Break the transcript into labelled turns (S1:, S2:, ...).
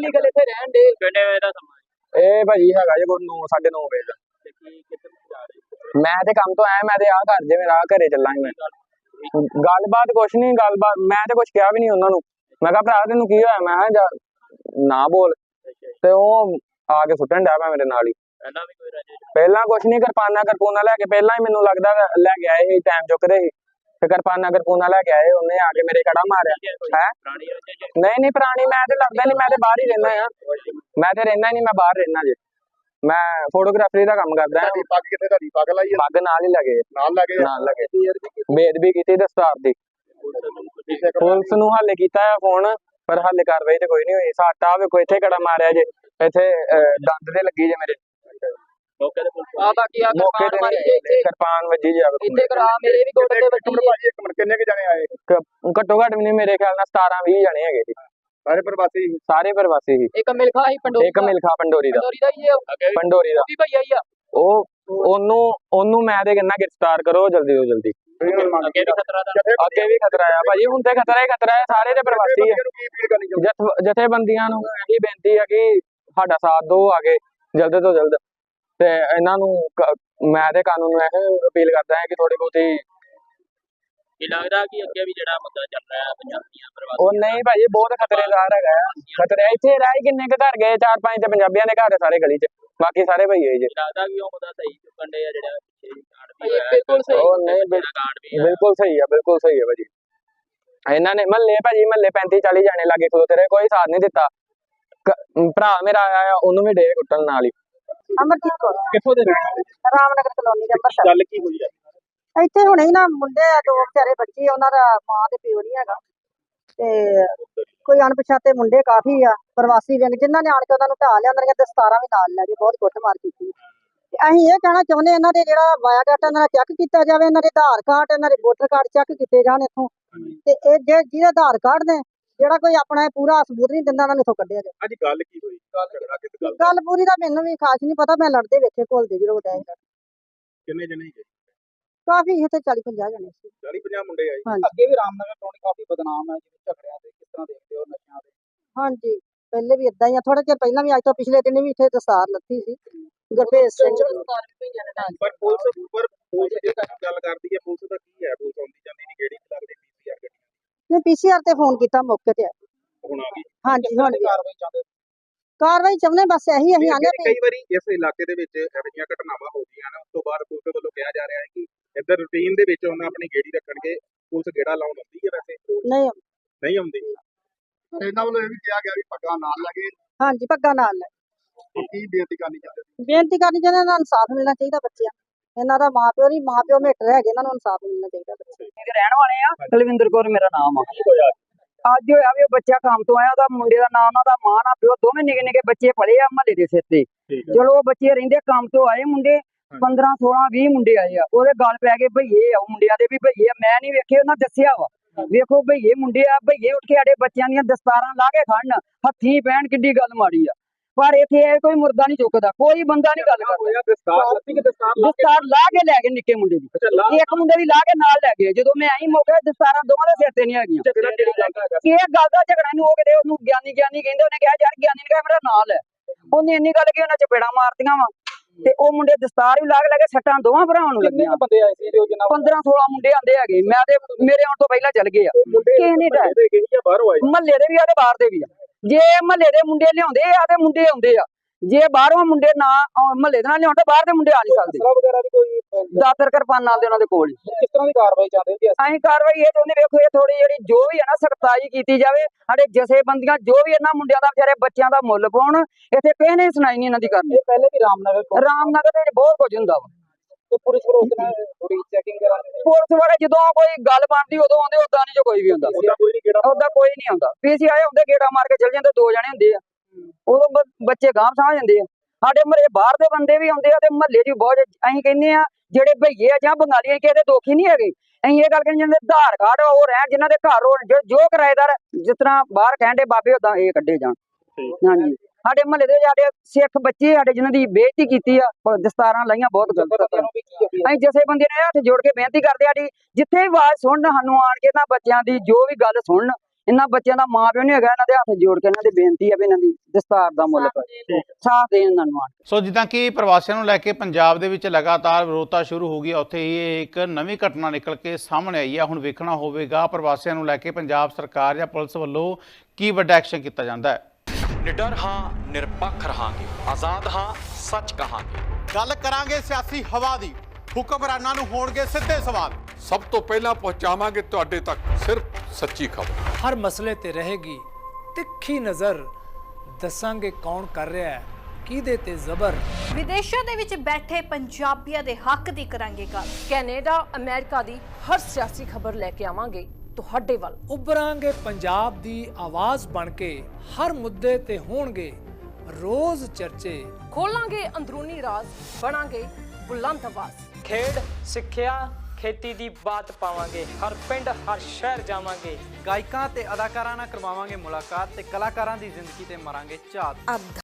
S1: Illegal ਇੱਥੇ ਰਹਿਣ ਦੇ ਕਿੰਨੇ ਵਜੇ ਦਾ ਸਮਾਂ
S2: ਇਹ ਭਾਜੀ ਹੈਗਾ ਜੇ ਕੋਈ 9 9:30 ਵਜੇ ਦਾ।
S1: ਤੇ ਕੀ ਕਿੱਥੇ ਜਾ ਰਹੇ
S2: ਮੈਂ ਤੇ ਕੰਮ ਤੋਂ ਆਇਆ, ਮੈਂ ਤੇ ਆ ਘਰ ਜੇ ਮੇਰਾ ਘਰੇ ਚੱਲਾਂਗੇ। ਮੈਂ ਗੱਲਬਾਤ ਕੁਛ ਨਹੀਂ, ਗੱਲਬਾਤ ਮੈਂ ਤੇ ਕੁਛ ਕਿਹਾ ਵੀ ਨਹੀਂ ਉਹਨਾਂ ਨੂੰ। ਮੈਂ ਕਿਹਾ ਭਰਾ ਤੈਨੂੰ ਕੀ ਹੋਇਆ, ਮੈਂ ਕਿਹਾ ਨਾ ਬੋਲ, ਤੇ ਉਹ ਆ ਕੇ ਸੁੱਟਣ ਡਿਆ ਪਿਆ ਮੇਰੇ ਨਾਲ ਹੀ।
S1: ਪਹਿਲਾਂ ਵੀ ਕੋਈ ਰਜੇ
S2: ਪਹਿਲਾਂ ਕੁਛ ਨਹੀਂ, ਕਿਰਪਾਨਾਂ ਲੈ ਕੇ ਪਹਿਲਾਂ ਹੀ ਮੈਨੂੰ ਲੱਗਦਾ ਲੈ ਕੇ ਆਏ ਸੀ, ਟਾਈਮ ਚੁੱਕਦੇ ਸੀ ਤੇ ਕਿਰਪਾਨਾਂ ਲੈ ਕੇ ਆਏ, ਉਹਨੇ ਆ ਕੇ ਮੇਰੇ ਕੜਾ ਮਾਰਿਆ ਹੈ।
S1: ਪੁਰਾਣੀ ਰਜੇ
S2: ਨਹੀਂ ਪੁਰਾਣੀ, ਮੈਂ ਤੇ ਲੱਗਦਾ ਨਹੀਂ, ਮੈਂ ਤੇ ਬਾਹਰ ਹੀ ਰਹਿਣਾ ਆ, ਮੈਂ ਤੇ ਰਹਿਣਾ ਨਹੀਂ, ਮੈਂ ਬਾਹਰ ਰਹਿਣਾ ਜੇ। ਮੈਂ ਫੋਟੋਗ੍ਰਾਫਰੀ ਦਾ ਕੰਮ ਕਰਦਾ ਹਾਂ।
S3: ਪੱਗ ਕਿੱਥੇ ਤੁਹਾਡੀ ਪੱਗ ਲਾਈ
S2: ਪੱਗ ਨਾਲ ਹੀ ਲੱਗੇ
S3: ਨਾਲ ਲੱਗੇ
S2: ਬੇਅਦਬੀ ਕੀਤੀ ਦਸਤਾਰ ਦੀ। ਪੁਲਿਸ ਨੂੰ ਹਾਲੇ ਕੀਤਾ ਹੈ ਫੋਨ, ਪਰ ਹਾਲੇ ਕਾਰਵਾਈ ਤੇ ਕੋਈ ਨਹੀਂ ਹੋਈ। ਸਾਟਾ ਵੇਖੋ ਇੱਥੇ ਕੜਾ ਮਾਰਿਆ ਜੇ, ਇੱਥੇ ਦੰਦ ਤੇ ਲੱਗੀ ਜੇ ਮੇਰੇ
S1: ਮੌਕੇ ਤੇ ਪੁਲਿਸ ਆ ਬਾਕੀ ਆ
S2: ਮੌਕੇ ਤੇ ਕਿਰਪਾਨ ਵੱਜੀ ਜੇ
S1: ਇੱਥੇ ਕਰਾ ਮੇਰੇ ਵੀ ਗੋਡੇ ਤੇ ਵੱਜੀ
S3: ਭਾਜੀ ਇੱਕ ਮਿੰਟ ਕਿੰਨੇ ਕਿ ਜਾਣੇ ਆਏ?
S2: ਘੱਟੋ ਘੱਟ ਵੀ ਨਹੀਂ, ਮੇਰੇ ਖਿਆਲ ਨਾਲ 17 20 ਜਣੇ ਹੈਗੇ ਸੀ।
S3: ਸਾਰੇ ਪ੍ਰਵਾਸੀ
S2: ਸੀ।
S1: ਇੱਕ ਮਿਲਖਾ ਹੀ ਪੰਡੋਰੀ
S2: ਇੱਕ ਮਿਲਖਾ ਪੰਡੋਰੀ ਦਾ
S1: ਹੀ ਹੈ,
S2: ਪੰਡੋਰੀ ਦਾ
S1: ਵੀ ਭਈਆ ਹੀ ਆ।
S2: ਉਹਨੂੰ ਮੈਂ ਤੇ ਕਹਿੰਦਾ ਗ੍ਰਿਫਤਾਰ ਕਰੋ ਜਲਦੀ ਤੋਂ ਜਲਦੀ।
S1: ਅੱਗੇ ਵੀ ਖਤਰਾ ਦਾ
S2: ਅੱਗੇ ਵੀ ਖਤਰਾ ਆ ਭਾਜੀ, ਹੁਣ ਤੇ ਖਤਰਾ ਹੈ, ਸਾਰੇ ਤੇ ਪ੍ਰਵਾਸੀ ਆ। ਜਥੇਬੰਦੀਆਂ ਨੂੰ ਇਹੀ ਬੇਨਤੀ ਹੈ ਕਿ ਸਾਡਾ ਸਾਥ ਦਿਓ ਆ ਕੇ ਜਲਦ ਤੋਂ ਜਲਦ, ਤੇ ਇਹਨਾਂ ਨੂੰ ਮੈਂ ਤੇ ਕਾਨੂੰਨ ਨੂੰ ਇਹ ਅਪੀਲ ਕਰਦਾ ਹਾਂ ਕਿ ਥੋੜੀ ਬਹੁਤੀ
S1: ਇਹ ਲੱਗਦਾ ਕਿ ਅੱਗੇ ਵੀ ਜਿਹੜਾ ਮੁੱਦਾ ਚੱਲ ਰਿਹਾ ਹੈ ਪੰਜਾਬੀਆਂ ਪ੍ਰਵਾਸੀ
S2: ਉਹ ਨਹੀਂ ਭਾਜੀ ਬਹੁਤ ਖਤਰੇਦਾਰ ਹੈਗਾ। ਖਤਰੇ ਇੱਥੇ ਰਹਿ ਕਿੰਨੇ ਕੁ ਘਰ ਗਏ, 4-5 ਤੇ ਪੰਜਾਬੀਆਂ ਦੇ ਘਰ ਸਾਰੇ ਗਲੀ 'ਚ, ਬਾਕੀ ਸਾਰੇ ਭਈਏ ਜੇ।
S1: ਲੱਗਦਾ ਕਿ ਉਹ ਮੁੱਦਾ ਸਹੀ ਚੁੱਕਣ ਦੇ ਆ ਜਿਹੜਾ ਬਿਲਕੁਲ ਸਹੀ।
S2: ਉਹ ਨਹੀਂ ਬਿਲਕੁਲ ਸਹੀ ਹੈ ਭਾਜੀ। ਇਹਨਾਂ ਨੇ ਮਹੱਲੇ 35-40 ਜਾਣੇ ਲਾਗੇ ਖਲੋਤੇ ਰਹੇ, ਕੋਈ ਸਾਥ ਨਹੀਂ ਦਿੱਤਾ। ਭਰਾ ਮੇਰਾ ਆਇਆ, ਉਹਨੂੰ ਵੀ ਡੇ ਕੁੱਟਣ ਨਾਲ ਹੀ।
S4: ਅਮਰਜੀਤ ਕੌਰ
S3: ਕਿੱਥੋਂ ਦੇ ਰਹਿਣ ਵਾਲੇ?
S4: ਰਾਮਨਗਰ ਕਲੋਨੀ ਦੇ ਅੰਮ੍ਰਿਤਸਰ।
S3: ਗੱਲ ਕੀ ਹੋਈ ਹੈ
S4: ਇੱਥੇ ਹੁਣੇ ਹੀ ਨਾ ਮੁੰਡੇ ਆ, 2 ਵਿਚਾਰੇ ਬੱਚੇ, ਉਹਨਾਂ ਦਾ ਮਾਂ ਤੇ ਪਿਓ ਨਹੀਂ ਹੈਗਾ, ਤੇ ਕੋਈ ਅਣਪਛਾਤੇ ਮੁੰਡੇ ਕਾਫੀ ਆ ਪ੍ਰਵਾਸੀ ਵਿੰਗ, ਜਿਨ੍ਹਾਂ ਨੇ ਆਣ ਕੇ ਉਹਨਾਂ ਨੂੰ ਢਾਹ ਲਿਆ, ਉਹਨਾਂ ਦੀਆਂ ਦਸਤਾਰਾਂ ਵੀ ਨਾਲ ਲੈ ਕੇ ਬਹੁਤ ਕੁੱਟਮਾਰ ਕੀਤੀ। ਅਸੀਂ ਇਹ ਕਹਿਣਾ ਚਾਹੁੰਦੇ ਇਹਨਾਂ ਦੇ ਜਿਹੜਾ ਬਾਇਓਡਾਟਾ ਇਹਨਾਂ ਦਾ ਚੈੱਕ ਕੀਤਾ ਜਾਵੇ, ਇਹਨਾਂ ਦੇ ਆਧਾਰ ਕਾਰਡ, ਇਹਨਾਂ ਦੇ ਵੋਟਰ ਕਾਰਡ ਚੈੱਕ ਕੀਤੇ ਜਾਣ ਇੱਥੋਂ, ਤੇ ਇਹ ਜਿਹਦੇ ਆਧਾਰ ਕਾਰਡ ਨੇ ਜਿਹੜਾ ਕੋਈ ਆਪਣਾ ਪੂਰਾ ਸਬੂਤ ਨਹੀਂ ਦਿੰਦਾ, ਉਹਨਾਂ ਨੂੰ ਇੱਥੋਂ ਕੱਢਿਆ ਜਾਵੇ।
S3: ਅੱਜ ਗੱਲ ਕੀ ਹੋਈ?
S4: ਗੱਲ ਪੂਰੀ ਦਾ ਮੈਨੂੰ ਵੀ ਖਾਸ ਨਹੀਂ ਪਤਾ, ਮੈਂ ਲੜਦੇ ਵੇਖੇ ਘੁਲਦੇ ਜਦੋਂ ਡੈ
S3: ਕਿੰਨੇ ਜਣੇ ਗਏ?
S4: ਕਾਫੀ ਇੱਥੇ 40-50 ਜਣੇ ਸੀ।
S3: 40-50 ਮੁੰਡੇ ਆਏ।
S4: ਹਾਂਜੀ।
S3: ਅੱਗੇ ਵੀ ਰਾਮਨਗਰ ਕਲੋਨੀ ਕਾਫੀ ਬਦਨਾਮ ਹੈ ਜਿਵੇਂ ਝਗੜਿਆਂ ਤੇ, ਕਿਸ ਤਰ੍ਹਾਂ ਦੇਖਦੇ ਹੋ ਨਸ਼ਿਆਂ ਦੇ?
S4: ਹਾਂਜੀ, ਪਹਿਲੇ ਵੀ ਇਦਾਂ ਹੀ ਆ, ਥੋੜਾ ਚਿਰ ਪਹਿਲਾਂ ਵੀ, ਅੱਜ ਤੋਂ ਪਿਛਲੇ ਦਿਨ ਵੀ ਇੱਥੇ ਦਸਤਾਰ ਲੱਥੀ ਸੀ ਗੁਰਭੇਜ ਸਿੰਘ।
S3: ਪਰ ਪੁਲਿਸ ਜੇ ਗੱਲ ਕਰਦੀ ਹੈ, ਪੁਲਿਸ ਦਾ ਕੀ ਹੈ? ਪੁਲਿਸ ਆਉਂਦੀ ਜਾਂਦੀ ਨਹੀਂ, ਕਿਹੜੀ ਲੱਗਦੀ ਪੀਸੀਆਰ ਗੱਡੀ
S4: ਨੇ ਪੀਸੀਆਰ ਤੇ ਫੋਨ ਕੀਤਾ, ਮੌਕੇ ਤੇ ਆਏ।
S3: ਹੁਣ ਆ ਗਈ।
S4: ਹਾਂਜੀ, ਹੁਣ ਵੀ
S3: ਕਾਰਵਾਈ ਚਾਹੁੰਦੇ?
S4: ਕਾਰਵਾਈ ਚਾਹੁੰਦੇ, ਬਸ ਇਹੀ ਅਸੀਂ ਆਨੇ ਵੀ।
S3: ਕਈ ਵਾਰੀ ਇਸ ਇਲਾਕੇ ਦੇ ਵਿੱਚ ਇਹੋ ਜਿਹੀਆਂ ਘਟਨਾਵਾਂ ਹੋ ਗਈਆਂ ਨੇ, ਉਸ ਤੋਂ ਬਾਅਦ ਪੁਲਿਸ ਵੱਲੋਂ ਕਿਹਾ ਜਾ ਰਿਹਾ ਹੈ ਕਿ ਇੱਧਰ ਰੂਟੀਨ ਦੇ ਵਿੱਚ ਉਹਨਾਂ ਆਪਣੀ ਗੇੜੀ ਰੱਖਣਗੇ, ਪੁਲਿਸ ਗੇੜਾ ਲਾਉਣ ਆਉਂਦੀ ਹੈ? ਵੈਸੇ ਨਹੀਂ ਆਉਂਦੀ। ਇਹਨਾਂ ਵੱਲੋਂ ਇਹ ਵੀ ਕਿਹਾ ਗਿਆ ਵੀ ਪੱਗਾਂ ਨਾਲ ਲੱਗੇ।
S4: ਹਾਂਜੀ, ਪੱਗਾਂ ਨਾਲ ਲੈ।
S3: ਕੀ ਬੇਨਤੀ ਕਰਨੀ ਚਾਹੁੰਦੇ?
S4: ਬੇਨਤੀ ਕਰਨੀ ਚਾਹੁੰਦੇ, ਇਹਨਾਂ ਨੂੰ ਇਨਸਾਫ ਮਿਲਣਾ ਚਾਹੀਦਾ ਬੱਚਿਆਂ, ਇਹਨਾਂ ਦਾ ਮਾਂ ਪਿਓ ਮੇਟਰ ਹੈਗੇ, ਇਹਨਾਂ ਨੂੰ ਇਨਸਾਫ ਮਿਲਣਾ ਚਾਹੀਦਾ ਬੱਚੇ।
S5: ਰਹਿਣ ਵਾਲੇ ਆ, ਕੁਲਵਿੰਦਰ ਕੌਰ ਮੇਰਾ ਨਾਮ ਆ। ਅੱਜ ਹੋਇਆ ਵੀ ਉਹ ਬੱਚਾ ਕੰਮ ਤੋਂ ਆਇਆ, ਉਹਦਾ ਮੁੰਡੇ ਦਾ ਨਾਮ, ਉਹਦਾ ਮਾਂ ਨਾ ਪਿਓ ਦੋਵੇਂ ਨਿੱਕੇ ਨਿੱਕੇ ਬੱਚੇ ਪਲੇ ਆ ਮਹੱਲੇ ਦੇ ਸਿਰ ਤੇ। ਚਲੋ ਉਹ ਬੱਚੇ ਰਹਿੰਦੇ ਕੰਮ ਤੋਂ ਆਏ ਮੁੰਡੇ 15 16 20 ਮੁੰਡੇ ਆਏ ਆ, ਉਹਦੇ ਗੱਲ ਪੈ ਗਏ ਭਈਏ ਆ, ਮੁੰਡਿਆਂ ਦੇ ਵੀ ਭਈਏ ਆ, ਮੈਂ ਨਹੀਂ ਵੇਖੇ, ਉਹਨਾਂ ਦੱਸਿਆ ਵਾ ਵੇਖੋ ਭਈਏ ਮੁੰਡੇ ਆ, ਭਈਏ ਉੱਠ ਕੇ ਸਾਡੇ ਬੱਚਿਆਂ ਦੀਆਂ ਦਸਤਾਰਾਂ ਲਾ ਕੇ ਖੜਨ, ਹੱਥੀਂ ਪੈਣ, ਕਿੱਡੀ ਗੱਲ ਮਾੜੀ ਆ। ਪਰ ਇੱਥੇ ਕੋਈ ਮੁਰਦਾ ਨਹੀਂ ਚੁੱਕਦਾ, ਕੋਈ ਬੰਦਾ ਨਹੀਂ ਗੱਲ ਕਰਦਾ। ਦਸਤਾਰ ਲਾ ਕੇ ਲੈ ਗਏ ਨਿੱਕੇ ਮੁੰਡੇ ਦੀ, ਇੱਕ ਮੁੰਡੇ ਦੀ ਲਾ ਕੇ ਨਾਲ ਲੈ ਗਏ। ਜਦੋਂ ਮੈਂ ਆਈ ਮੌਕੇ ਦਸਤਾਰਾਂ ਦੋਵਾਂ ਦੇ ਸਿਰ ਤੇ ਨਹੀਂ ਹੈਗੀਆਂ। ਇਹ ਗੱਲ ਦਾ ਝਗੜਾ ਨੂੰ ਉਹ ਕਿਤੇ ਉਹਨੂੰ ਗਿਆਨੀ ਕਹਿੰਦੇ, ਉਹਨੇ ਕਿਹਾ ਯਾਰ ਗਿਆਨੀ ਨੇ ਕਿਹਾ ਮੇਰਾ ਨਾਲ ਹੈ, ਉਹਨੇ ਇੰਨੀ ਗੱਲ ਕਿ ਉਹਨਾਂ ਚਪੇੜਾਂ ਮਾਰਤੀਆਂ ਵਾ, ਤੇ ਉਹ ਮੁੰਡੇ ਦਸਤਾਰ ਵੀ ਲਾ ਕੇ ਸੱਟਾਂ ਦੋਵਾਂ ਭਰਾਵਾਂ ਨੂੰ ਲੱਗੀਆਂ। 15 16 ਮੁੰਡੇ ਆਂਦੇ ਹੈਗੇ, ਮੈਂ ਤੇ ਮੇਰੇ ਆਉਣ ਤੋਂ ਪਹਿਲਾਂ ਚੱਲ ਗਏ ਆ। ਕਿਸੇ ਨੇ ਮਹੱਲੇ ਦੇ ਵੀ ਆ ਤੇ ਬਾਹਰ ਦੇ ਵੀ ਆ। ਜੇ ਮਹੱਲੇ ਦੇ ਮੁੰਡੇ ਲਿਆਉਂਦੇ ਆ ਤੇ ਮੁੰਡੇ ਆਉਂਦੇ ਆ, ਜੇ ਬਾਹਰੋਂ ਮੁੰਡੇ ਨਾ ਮਹੱਲੇ ਦੇ ਨਾਲ ਲਿਆਉਂਦੇ, ਬਾਹਰ ਦੇ ਮੁੰਡੇ ਆ ਨਹੀਂ ਸਕਦੇ। ਦਾਤਰ ਕਿਰਪਾਨਾਂ ਦੇ ਉਹਨਾਂ ਦੇ ਕੋਲ।
S3: ਕਿਸ ਤਰ੍ਹਾਂ ਦੀ ਕਾਰਵਾਈ ਚਾਹੁੰਦੇ ਹੋ?
S5: ਅਸੀਂ ਕਾਰਵਾਈ ਇਹ ਚਾਹੁੰਦੇ, ਵੇਖੋ ਇਹ ਥੋੜੀ ਜਿਹੜੀ ਜੋ ਵੀ ਹੈ ਨਾ ਸਖਤਾਈ ਕੀਤੀ ਜਾਵੇ, ਸਾਡੇ ਜਥੇਬੰਦੀਆਂ ਜੋ ਵੀ ਇਹਨਾਂ ਮੁੰਡਿਆਂ ਦਾ ਵਿਚਾਰੇ ਬੱਚਿਆਂ ਦਾ ਮੁੱਲ ਪਾਉਣ, ਇੱਥੇ ਕਿਸੇ ਨੇ ਸੁਣਾਈ ਨਹੀਂ ਇਹਨਾਂ ਦੀ ਕਰਨੀ।
S3: ਪਹਿਲੇ ਵੀ ਰਾਮਨਗਰ
S5: ਦੇ ਵਿੱਚ ਬਹੁਤ ਕੁਝ ਹੁੰਦਾ ਵਾ,
S3: ਤੇ ਪੁਲਿਸ ਥੋੜੀ ਚੈਕਿੰਗ ਕਰਾਂਗੇ।
S5: ਪੁਲਿਸ ਵਾਲੇ ਜਦੋਂ ਕੋਈ ਗੱਲ ਬਣਦੀ ਉਦੋਂ ਆਉਂਦੇ, ਉਦਾਂ ਨਹੀਂ ਜੋ ਕੋਈ ਵੀ ਹੁੰਦਾ, ਉਦਾਂ ਕੋਈ ਨਹੀਂ ਆਉਂਦਾ। ਪੀਸੀਆਈ ਹੁੰਦੇ ਗੇੜਾ ਮਾਰ ਕੇ ਚਲ ਜਾਂਦੇ, 2 ਜਣੇ ਹੁੰਦੇ ਆ, ਉਦੋਂ ਬੱਚੇ ਗਾਂਹ ਸਮਝ ਜਾਂਦੇ ਆ। ਸਾਡੇ ਮਹੱਲੇ ਬਾਹਰ ਦੇ ਬੰਦੇ ਵੀ ਆਉਂਦੇ ਆ, ਤੇ ਮਹੱਲੇ 'ਚ ਬਹੁਤ ਅਸੀਂ ਕਹਿੰਦੇ ਆ ਜਿਹੜੇ ਭਈਏ ਆ ਜਾਂ ਬੰਗਾਲੀ ਕਿਸੇ ਦੇ ਦੋਖੀ ਨਹੀਂ ਹੈਗੇ। ਅਸੀਂ ਇਹ ਗੱਲ ਕਹਿੰਦੇ ਜਿਹਨਾਂ ਦੇ ਆਧਾਰ ਕਾਰਡ ਉਹ ਰਹਿਣ, ਜਿਨ੍ਹਾਂ ਦੇ ਘਰ ਜੋ ਕਿਰਾਏਦਾਰ ਜਿਸ ਤਰ੍ਹਾਂ ਬਾਹਰ ਕਹਿੰਦੇ ਬਾਬੇ ਉਦਾਂ ਇਹ ਕੱਢੇ ਜਾਣ। ਹਾਂਜੀ, ਸਾਡੇ ਮਹੱਲੇ ਦੇ ਸਾਡੇ ਸਿੱਖ ਬੱਚੇ ਸਾਡੇ ਜਿਨ੍ਹਾਂ ਦੀ ਬੇਇੱਜ਼ਤੀ ਕੀਤੀ ਆ, ਦਸਤਾਰਾਂ ਲਾਈਆਂ, ਬਹੁਤ ਗਲਤ। ਅਸੀਂ ਜਥੇਬੰਦੀ ਨੇ ਹੱਥ ਜੋੜ ਕੇ ਬੇਨਤੀ ਕਰਦੇ ਆ, ਜਿੱਥੇ ਵੀ ਆਵਾਜ਼ ਸੁਣਨ, ਸਾਨੂੰ ਆਣ ਕੇ ਨਾ ਬੱਚਿਆਂ ਦੀ ਜੋ ਵੀ ਗੱਲ ਸੁਣਨ, ਇਹਨਾਂ ਬੱਚਿਆਂ ਦਾ ਮਾਂ ਪਿਓ ਨਹੀਂ ਹੈਗਾ, ਇਹਨਾਂ ਦੇ ਹੱਥ ਜੋੜ ਕੇ ਇਹਨਾਂ ਦੀ ਬੇਨਤੀ ਹੈ ਵੀ ਇਹਨਾਂ ਦੀ ਦਸਤਾਰ ਦਾ ਮੁੱਲ ਪਾਓ, ਸਾਥ ਦੇਣ ਇਹਨਾਂ ਨੂੰ।
S6: ਸੋ ਜਿੱਦਾਂ ਕਿ ਪ੍ਰਵਾਸੀਆਂ ਨੂੰ ਲੈ ਕੇ ਪੰਜਾਬ ਦੇ ਵਿੱਚ ਲਗਾਤਾਰ ਵਿਰੋਧਤਾ ਸ਼ੁਰੂ ਹੋ ਗਈ, ਉੱਥੇ ਹੀ ਇੱਕ ਨਵੀਂ ਘਟਨਾ ਨਿਕਲ ਕੇ ਸਾਹਮਣੇ ਆਈ ਹੈ। ਹੁਣ ਵੇਖਣਾ ਹੋਵੇਗਾ ਪ੍ਰਵਾਸੀਆਂ ਨੂੰ ਲੈ ਕੇ ਪੰਜਾਬ ਸਰਕਾਰ ਜਾਂ ਪੁਲਿਸ ਵੱਲੋਂ ਕੀ ਵੱਡਾ ਐਕਸ਼ਨ ਕੀਤਾ ਜਾਂਦਾ ਹੈ।
S7: ਨਿਡਰ ਹਾਂ, ਨਿਰਪੱਖ ਰਹਾਂਗੇ, ਆਜ਼ਾਦ ਹਾਂ, ਸੱਚ ਕਹਾਂਗੇ।
S8: ਗੱਲ ਕਰਾਂਗੇ ਸਿਆਸੀ ਹਵਾ ਦੀ, ਹੁਕਮਰਾਨਾਂ ਨੂੰ ਹੋਣਗੇ ਸਿੱਧੇ ਸਵਾਲ।
S9: ਸਭ ਤੋਂ ਪਹਿਲਾਂ ਪਹੁੰਚਾਵਾਂਗੇ ਤੁਹਾਡੇ ਤੱਕ ਸਿਰਫ ਸੱਚੀ ਖਬਰ।
S10: ਹਰ ਮਸਲੇ ਤੇ ਰਹੇਗੀ ਤਿੱਖੀ ਨਜ਼ਰ, ਦੱਸਾਂਗੇ ਕੌਣ ਕਰ ਰਿਹਾ ਹੈ ਕਿਹਦੇ ਤੇ ਜ਼ਬਰ।
S11: ਵਿਦੇਸ਼ਾਂ ਦੇ ਵਿੱਚ ਬੈਠੇ ਪੰਜਾਬੀਆਂ ਦੇ ਹੱਕ ਦੀ ਕਰਾਂਗੇ ਗੱਲ।
S12: ਕੈਨੇਡਾ, ਅਮਰੀਕਾ ਦੀ ਹਰ ਸਿਆਸੀ ਖਬਰ ਲੈ ਕੇ ਆਵਾਂਗੇ ਤੁਹਾਡੇ ਵੱਲ।
S10: ਉਭਰਾਂਗੇ ਪੰਜਾਬ ਦੀ ਆਵਾਜ਼ ਬਣ ਕੇ, ਹਰ ਮੁੱਦੇ ਤੇ ਹੋਣਗੇ ਰੋਜ਼ ਚਰਚੇ।
S12: ਖੋਲਾਂਗੇ ਅੰਦਰੂਨੀ ਰਾਜ਼, ਬਣਾਂਗੇ ਬੁਲੰਦ ਆਵਾਜ਼।
S13: ਖੇਡ, ਸਿੱਖਿਆ, ਖੇਤੀ ਦੀ ਬਾਤ ਪਾਵਾਂਗੇ, ਹਰ ਪਿੰਡ ਹਰ ਸ਼ਹਿਰ ਜਾਵਾਂਗੇ।
S14: ਗਾਇਕਾਂ ਤੇ ਅਦਾਕਾਰਾਂ ਨਾਲ ਕਰਵਾਵਾਂਗੇ ਮੁਲਾਕਾਤ ਤੇ ਕਲਾਕਾਰਾਂ ਦੀ ਜ਼ਿੰਦਗੀ ਤੇ ਮਾਰਾਂਗੇ ਝਾਤ।